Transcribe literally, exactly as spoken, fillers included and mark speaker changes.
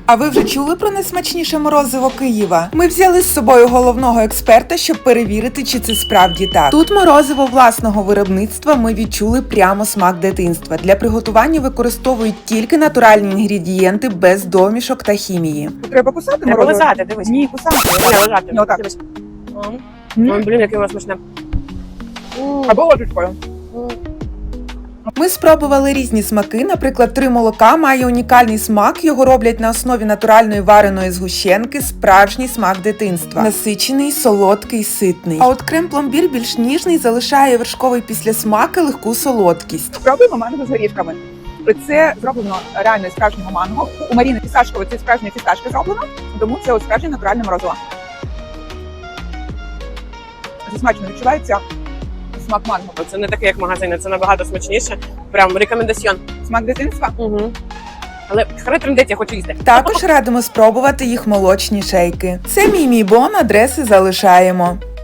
Speaker 1: А ви вже чули про найсмачніше морозиво Києва? Ми взяли з собою головного експерта, щоб перевірити, чи це справді так. Тут морозиво власного виробництва ми відчули прямо смак дитинства. Для приготування використовують тільки натуральні інгредієнти без домішок та хімії.
Speaker 2: Треба кусати
Speaker 3: Треба
Speaker 2: морозиво?
Speaker 3: лизати, дивись.
Speaker 2: Ні, кусати.
Speaker 3: Ні, лежати.
Speaker 2: Ні, отак.
Speaker 3: Дивись.
Speaker 2: М.
Speaker 3: Ой, блін, яке воно смачне.
Speaker 2: Або ложечкою.
Speaker 1: Ми спробували різні смаки, наприклад, три молока має унікальний смак, його роблять на основі натуральної вареної згущенки, справжній смак дитинства. Насичений, солодкий, ситний. А от крем-пломбір більш ніжний, залишає вершковий післясмак і легку солодкість.
Speaker 2: Спробуємо манго з горішками. Це зроблено реально із справжнього манго. У Маріни Фісташкової це справжня фісташка зроблено, тому це от справжнє натуральне морозиво. Це смачно відчувається смак манго.
Speaker 3: Це не таке, як магазини, це набагато смачніше. Прям рекомендаціон.
Speaker 2: Смак дитинства.
Speaker 3: Угу. Але хай трендець, я хочу їсти.
Speaker 1: Також радимо спробувати їх молочні шейки. Це мій мій бон, адреси залишаємо.